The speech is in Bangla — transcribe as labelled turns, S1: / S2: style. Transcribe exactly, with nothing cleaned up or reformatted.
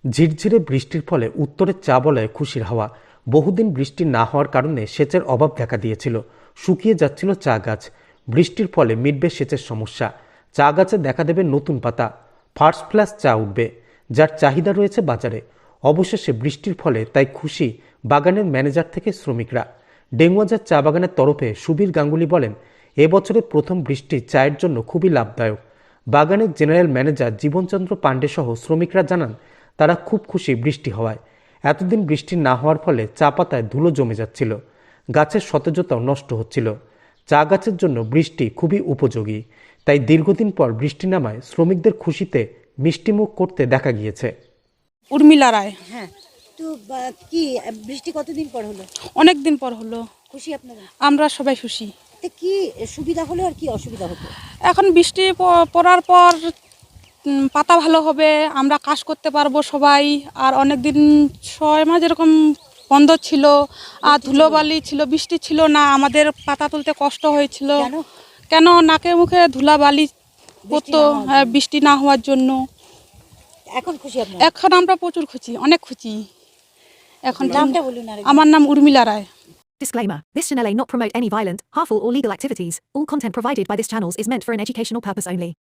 S1: ঝিরঝিরে বৃষ্টির ফলে উত্তরের চা বলয়ে খুশির হাওয়া। বহুদিন বৃষ্টি না হওয়ার কারণে সেচের অভাব দেখা দিয়েছিল, শুকিয়ে যাচ্ছিল চা গাছ। বৃষ্টির ফলে মিটবে সেচের সমস্যা, চা গাছে দেখা দেবে নতুন পাতা, ফার্স্ট ক্লাস চা উঠবে, যার চাহিদা রয়েছে বাজারে। অবশেষে বৃষ্টির ফলে তাই খুশি বাগানের ম্যানেজার থেকে শ্রমিকরা। ডেঙ্গুয়াজার চা বাগানের তরফে সুবীর গাঙ্গুলি বলেন, এবছরের প্রথম বৃষ্টি চায়ের জন্য খুবই লাভদায়ক। বাগানের জেনারেল ম্যানেজার জীবনচন্দ্র পাণ্ডে সহ শ্রমিকরা জানান, তারা খুব খুশি বৃষ্টি হওয়ায়। এতদিন বৃষ্টি না হওয়ার ফলে চা পাতায় ধুলো জমে যাচ্ছিল, গাছের সতেজতাও নষ্ট হচ্ছিল। চা গাছের জন্য বৃষ্টি খুবই উপযোগী, তাই দীর্ঘদিন পর বৃষ্টি নামায় শ্রমিকদের খুশিতে মিষ্টিমুখ করতে দেখা গিয়েছে।
S2: উর্মিলা রায়।
S3: হ্যাঁ, তো বা- কি বৃষ্টি কতদিন পর হলো?
S2: অনেক দিন পর হলো,
S3: খুশি আপনারা?
S2: আমরা সবাই খুশি।
S3: তো কি সুবিধা হলো আর কি অসুবিধা হতো?
S2: এখন বৃষ্টি প- পড়ার পর উম, পাতা ভালো হবে, আমরা কাজ করতে পারবো সবাই। আর অনেক দিন ছয় মাস এরকম বন্ধ ছিল, আর ধুলোবালি ছিল, বৃষ্টি ছিল না, আমাদের পাতা তুলতে কষ্ট হয়েছিল।
S3: কেন?
S2: কেন নাকে মুখে ধুলাবালি পড়তো,
S3: না হওয়ার
S2: হ্যাঁ,
S3: জন্য।
S2: বৃষ্টি না হওয়ার জন্য।
S3: এখন খুশি আপনারা?
S2: এখন আমরা প্রচুর খুশি, অনেক খুশি এখন।
S3: নামটা বলুন আর
S2: আমার নাম উর্মিলা রায়।
S4: Disclaimer. This channel may not promote any violent, harmful or legal activities. All content provided by this channel is meant for an educational purpose only.